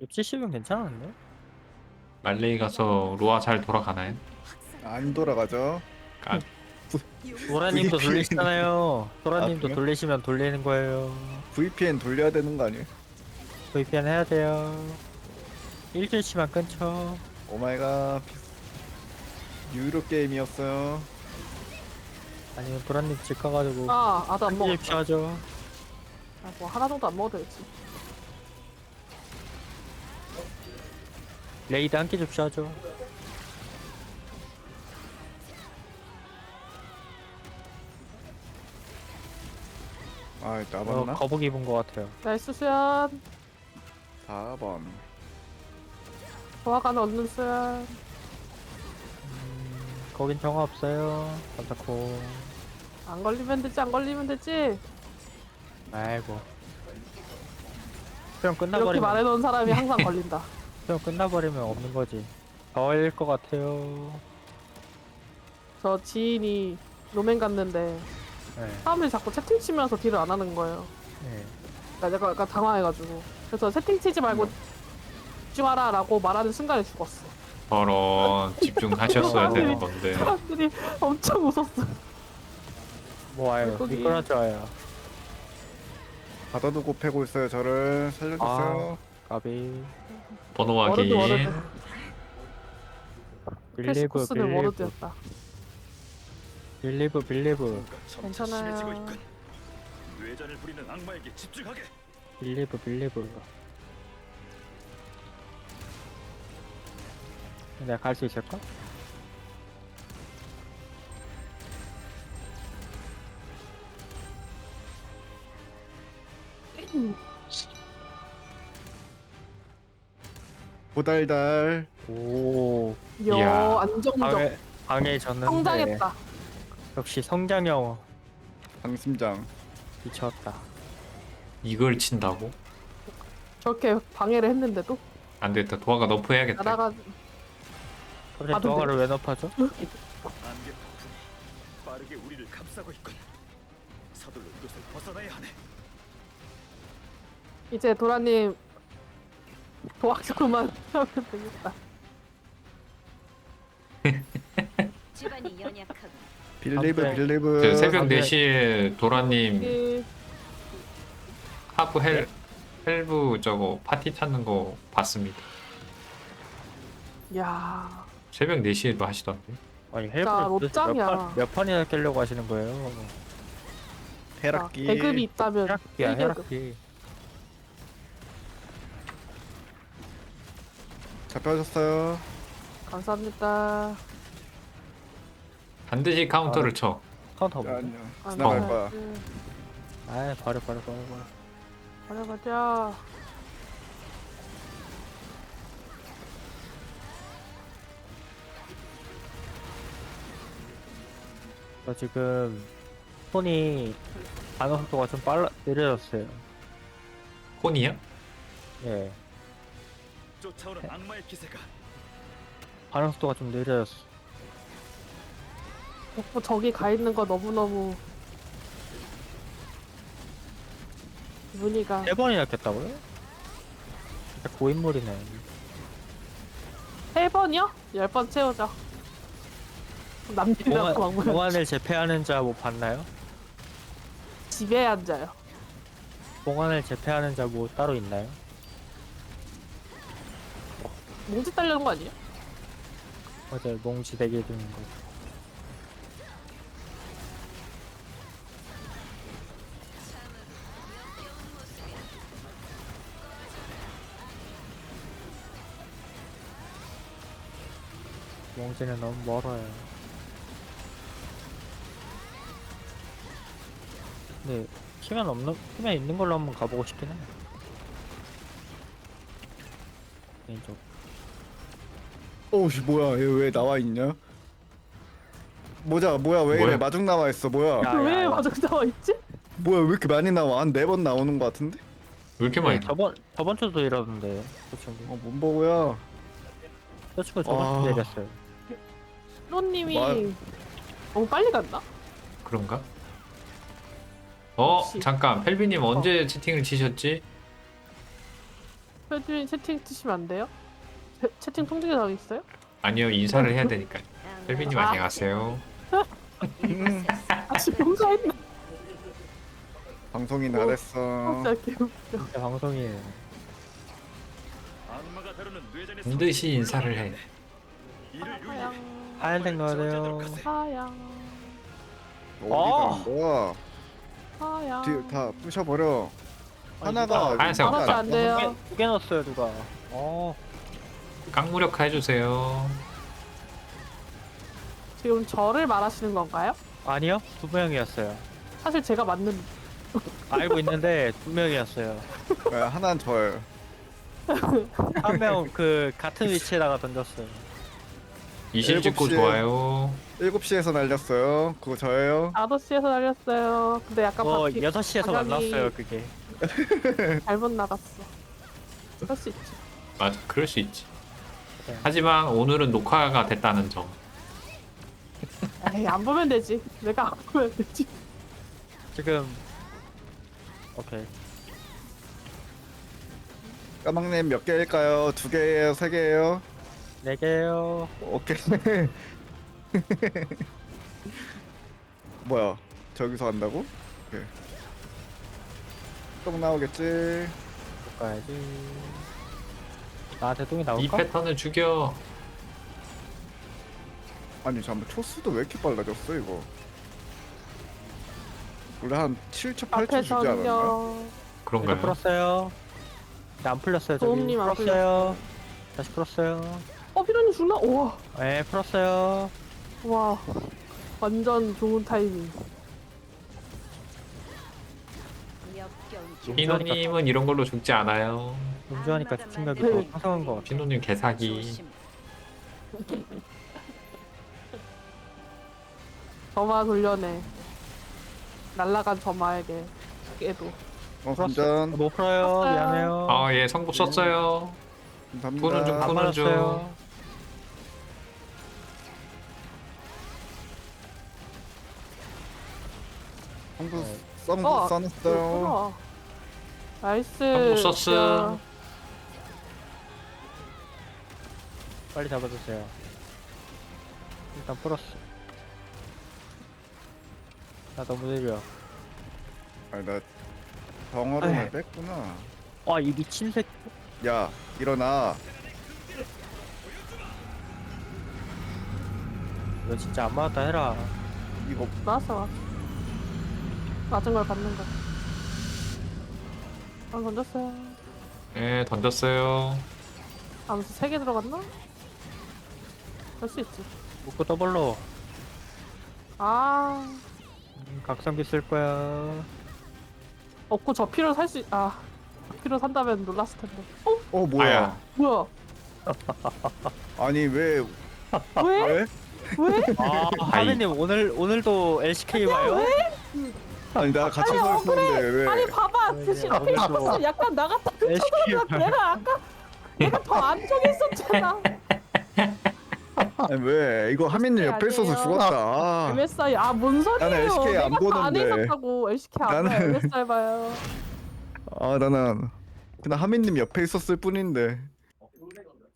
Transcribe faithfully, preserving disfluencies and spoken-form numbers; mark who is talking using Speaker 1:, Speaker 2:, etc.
Speaker 1: 칠십은 괜찮은데?
Speaker 2: 말레이 가서 로아 잘 돌아가나요?
Speaker 3: 안 돌아가죠.
Speaker 2: 아,
Speaker 1: 도라님도
Speaker 3: 브이피엔.
Speaker 1: 돌리시잖아요. 도라님도
Speaker 3: 그래요?
Speaker 1: 돌리시면 돌리는 거예요.
Speaker 3: 브이피엔 돌려야 되는 거 아니에요?
Speaker 1: 브이피엔 해야 돼요. 일주일치만 끊죠.
Speaker 3: 오마이갓. 유료 게임이었어요.
Speaker 1: 아니면 도라님 집 가가지고
Speaker 4: 아, 아도 안 먹었다.
Speaker 1: 일주일치 하죠.
Speaker 4: 아, 뭐 하나 정도 안 먹어도 되지.
Speaker 1: 레이드 한 끼 줍시하죠.
Speaker 3: 아,
Speaker 1: 어,
Speaker 3: 나봤나?
Speaker 1: 거북이 입은 것 같아요.
Speaker 4: 나이스 수연.
Speaker 3: 사 번.
Speaker 4: 도화가는 얻는 수연.
Speaker 1: 음, 거긴 정화 없어요. 감사코.
Speaker 4: 안 걸리면 되지, 안 걸리면 되지.
Speaker 1: 아이고. 수영
Speaker 4: 이렇게
Speaker 1: 끝나버리면
Speaker 4: 말해놓은 사람이 항상 걸린다.
Speaker 1: 수영 끝나버리면 없는 거지. 저일 것 같아요.
Speaker 4: 저 지인이 로맨 갔는데
Speaker 1: 네.
Speaker 4: 사람들이 자꾸 채팅 치면서 딜을 안 하는 거예요.
Speaker 1: 네.
Speaker 4: 그러니까 내가 약간 당황해가지고. 그래서 채팅 치지 말고 집중하라 라고 말하는 순간에 죽었어.
Speaker 2: 저런 집중하셨어야 되는 건데.
Speaker 4: 사람들이 엄청 웃었어.
Speaker 1: 뭐 와요.
Speaker 4: 물고기.
Speaker 1: 미끄러져 와요.
Speaker 3: 받아두고 패고 있어요. 저를 살려주세요.
Speaker 1: 까비.
Speaker 2: 번호
Speaker 4: 워르드
Speaker 2: 확인.
Speaker 4: 워르드.
Speaker 1: 빌리브
Speaker 4: 패스코스는
Speaker 1: 빌리브
Speaker 4: 워르드였다.
Speaker 1: 빌리브 빌리브
Speaker 4: 괜찮아요.
Speaker 5: 뇌전을 부리는 악마에게 집중하게.
Speaker 1: 빌리브 빌리브. 내가 갈 수 있을까?
Speaker 3: 보달달.
Speaker 1: 오
Speaker 4: 이야,
Speaker 2: 이야.
Speaker 4: 안정적.
Speaker 1: 방해 방해졌는데
Speaker 4: 성장했다.
Speaker 1: 역시 성장형
Speaker 3: 방심장.
Speaker 1: 미쳤다.
Speaker 2: 이걸 친다고?
Speaker 4: 저렇게 방해를 했는데도
Speaker 2: 안 되겠다. 도화가 너프 해야겠다.
Speaker 4: 나다가
Speaker 1: 갑자기
Speaker 4: 아, 근데-
Speaker 1: 도화가를 왜 높아져?
Speaker 5: 안개 폭풍이 빠르게 우리를 감싸고 있군. 서둘러 이곳을 벗어나야 하네.
Speaker 4: 이제 도라님 도와주고만 하면 되겠다.
Speaker 6: 집안이 연약하고
Speaker 3: 빌리브
Speaker 1: 아,
Speaker 3: 빌리브.
Speaker 2: 저 새벽
Speaker 1: 아, 네.
Speaker 2: 네 시에 도라님
Speaker 4: 이
Speaker 2: 하부 헬 헬브 저거 파티 찾는 거 봤습니다.
Speaker 4: 야,
Speaker 2: 새벽 네 시에도 하시던데.
Speaker 1: 아니
Speaker 4: 진짜
Speaker 1: 헬브를 도대체
Speaker 4: 롯짱이야.
Speaker 1: 몇, 판, 몇 판이나 깨려고 하시는 거예요?
Speaker 3: 헤락기.
Speaker 4: 배급이 있다면
Speaker 1: 헤락기야
Speaker 4: 일 계급.
Speaker 1: 헤락기.
Speaker 3: 잡혀졌어요.
Speaker 4: 감사합니다.
Speaker 2: 반드시 카운터를 쳐.
Speaker 1: 카운터 없네.
Speaker 3: 아니요.
Speaker 4: 아,
Speaker 3: 지나갈
Speaker 2: 어.
Speaker 3: 거야.
Speaker 1: 아이 버려 버려 버려 버려.
Speaker 4: 가자 가자.
Speaker 1: 저 지금 손이 반응 속도가 좀 빨라 느려졌어요.
Speaker 2: 혼이야?
Speaker 1: 예,
Speaker 5: 쫓아오는 악마의 기세가
Speaker 1: 반응 속도가 좀 느려졌어.
Speaker 4: 어, 저기 가 있는 거 너무 너무 기분이가
Speaker 1: 세 번이나 깼다고요? 진짜 고인물이네.
Speaker 4: 세 번이요? 열 번 채우자. 남들이랑 막 모여
Speaker 1: 봉안을 제패하는 자 뭐 봤나요?
Speaker 4: 집에 앉아요.
Speaker 1: 봉안을 제패하는 자 뭐 따로 있나요?
Speaker 4: 몽지 딸려는 거 아니에요?
Speaker 1: 맞아요, 몽지 대기 중인 거. 몽지는 너무 멀어요. 근데 키면 없는 키면 있는 걸로 한번 가보고 싶긴 해. 개인적으로.
Speaker 3: 오씨 뭐야? 얘 왜 나와 있냐? 모자 뭐야? 왜
Speaker 2: 뭐야?
Speaker 3: 이래? 마중 나와 있어. 뭐야?
Speaker 1: 야,
Speaker 4: 왜
Speaker 1: 야.
Speaker 4: 마중 나와 있지?
Speaker 3: 뭐야? 왜 이렇게 많이 나와? 한 네 번 나오는 거 같은데?
Speaker 2: 왜 이렇게 많이
Speaker 1: 네,
Speaker 2: 나?
Speaker 1: 저번 저번 주도 이러던데 그 친구.
Speaker 3: 어, 뭔 보고야?
Speaker 1: 그 친구 저번 주
Speaker 3: 아.
Speaker 1: 내렸어요.
Speaker 4: 로님이
Speaker 3: 와.
Speaker 4: 너무 빨리 갔나?
Speaker 2: 그런가? 어
Speaker 4: 혹시-
Speaker 2: 잠깐 펠비님 언제 채팅을 치셨지?
Speaker 4: 표준 채팅 치시면 안 돼요? 채, 채팅 통제가 당 있어요?
Speaker 2: 아니요, 인사를 해야 되니까. 헬비님
Speaker 4: 아.
Speaker 2: 안녕하세요.
Speaker 4: 아직 봉사했나?
Speaker 3: 방송인 다 됐어.
Speaker 4: 진짜 개웃겨.
Speaker 1: 진짜 방송이에요.
Speaker 5: 악마가 다루는 뇌전의
Speaker 2: 반드시 인사를 해.
Speaker 5: 이를 위해
Speaker 4: 하양
Speaker 1: 하얀색 넣어야 돼요.
Speaker 4: 하양
Speaker 3: 어디
Speaker 1: 어!
Speaker 3: 가는 거야?
Speaker 4: 하양
Speaker 3: 뒤 다 부셔버려.
Speaker 1: 아니,
Speaker 3: 하나가
Speaker 2: 누가 하얀색
Speaker 3: 일단
Speaker 2: 없다.
Speaker 4: 안 돼요.
Speaker 1: 두 개, 두개 넣었어요 누가. 어.
Speaker 2: 깡무력화 해주세요.
Speaker 4: 지금 저를 말하시는 건가요?
Speaker 1: 아니요 두 명이었어요.
Speaker 4: 사실 제가 맞는
Speaker 1: 알고 있는데 두 명이었어요.
Speaker 3: 네, 하나는 저예요.
Speaker 1: 한 명 그 같은 위치에다가 던졌어요.
Speaker 2: 이실 찍고
Speaker 3: 일곱 시에.
Speaker 2: 좋아요.
Speaker 3: 일곱 시에서 날렸어요. 그거 저예요.
Speaker 4: 다섯 시에서 날렸어요. 근데 약간
Speaker 1: 어
Speaker 4: 바퀴
Speaker 1: 여섯 시에서
Speaker 4: 방향이-
Speaker 1: 만났어요 그게.
Speaker 4: 잘못 나갔어. 그럴 수 있지.
Speaker 2: 맞아, 그럴 수 있지.
Speaker 1: 네.
Speaker 2: 하지만 오늘은 녹화가 됐다는 점.
Speaker 4: 에이, 안 보면 되지. 내가 안 보면 되지.
Speaker 1: 지금 오케이.
Speaker 3: 까망님 몇 개일까요? 두 개예요? 세 개예요?
Speaker 1: 네 개요.
Speaker 3: 오케이. 뭐야? 저기서 한다고? 오케이. 똥 나오겠지.
Speaker 1: 못 가야지. 나한테 똥이
Speaker 2: 이
Speaker 1: 나올까?
Speaker 2: 패턴을 죽여.
Speaker 3: 아니 잠깐 초수도 왜 이렇게 빨라졌어 이거? 원래 한 칠 초, 팔 초 주지 않았나?
Speaker 4: 앞에서는요.
Speaker 1: 이거
Speaker 2: 그런가요?
Speaker 1: 풀었어요. 근데 안 풀렸어요 저기.
Speaker 4: 도움님 안
Speaker 1: 풀었어요. 다시 풀었어요.
Speaker 4: 어, 피로님 죽나? 우와.
Speaker 1: 네 풀었어요.
Speaker 4: 와. 완전 좋은 타이밍.
Speaker 6: 역경
Speaker 2: 피노님은 이런 걸로 죽지 않아요.
Speaker 1: 운전하니까 집중력이
Speaker 4: 네.
Speaker 1: 더 상승한 것 같아.
Speaker 2: 피노님 개사기.
Speaker 6: 조심.
Speaker 4: 점화 돌려내. 날라간 점화에게 깨도.
Speaker 3: 어
Speaker 1: 풀었어.
Speaker 3: 감전.
Speaker 1: 못 풀어요.
Speaker 4: 풀었어요.
Speaker 1: 미안해요.
Speaker 2: 아, 예, 성부 썼어요.
Speaker 3: 감사합니다.
Speaker 2: 푸는 중,
Speaker 1: 안
Speaker 2: 푸는 중.
Speaker 1: 맞았어요.
Speaker 3: 성부
Speaker 1: 네.
Speaker 3: 썸
Speaker 4: 어,
Speaker 3: 써놨어요.
Speaker 4: 그렇구나. 나이스.
Speaker 2: 성부 썼음.
Speaker 4: 야,
Speaker 1: 빨리 잡아주세요. 일단 풀었어. 나 너무 느려.
Speaker 3: 아니 나 덩어리를
Speaker 1: 에이.
Speaker 3: 뺐구나.
Speaker 1: 아 이 미친 새끼.
Speaker 3: 야 일어나.
Speaker 1: 너 진짜 안 맞았다 해라.
Speaker 3: 이거
Speaker 4: 나왔어, 나왔어. 맞은 걸 받는 거. 아, 던졌어요.
Speaker 2: 예, 던졌어요.
Speaker 4: 아무튼 세 개 들어갔나? 할 수 있지.
Speaker 1: 묶고 더블로.
Speaker 4: 아,
Speaker 1: 음, 각성기 쓸 거야.
Speaker 4: 없고 저 피로 살 수, 아, 저 피로 산다면 놀랐을 텐데. 어?
Speaker 3: 어 뭐야?
Speaker 2: 아야.
Speaker 4: 뭐야?
Speaker 3: 아니 왜
Speaker 4: 왜?
Speaker 3: 왜?
Speaker 4: 왜?
Speaker 1: 아 하느님 오늘 오늘도 엘씨케이 봐요?
Speaker 3: 아니 나 같이 서 있었는데 왜?
Speaker 4: 아니, 봐봐.
Speaker 1: 네,
Speaker 4: 대신
Speaker 1: 오늘도
Speaker 4: 앞에 약간 나갔다.
Speaker 1: 엘씨케이 봐요.
Speaker 4: 내가 아까, 내가 더 안쪽에 있었잖아.
Speaker 3: 아니 왜? 이거 하민님 옆에 있어서
Speaker 4: 아니에요.
Speaker 3: 죽었다. 아,
Speaker 4: 엠에스아이, 아, 뭔 소리예요?
Speaker 3: 나는 엘씨케이 안
Speaker 4: 내가 더 안에
Speaker 3: 보는데.
Speaker 4: 있었다고. 엘씨케이 안 봐요.
Speaker 3: 나는-
Speaker 4: 엠에스아이 봐요.
Speaker 3: 아 나는 그냥 하민님 옆에 있었을 뿐인데.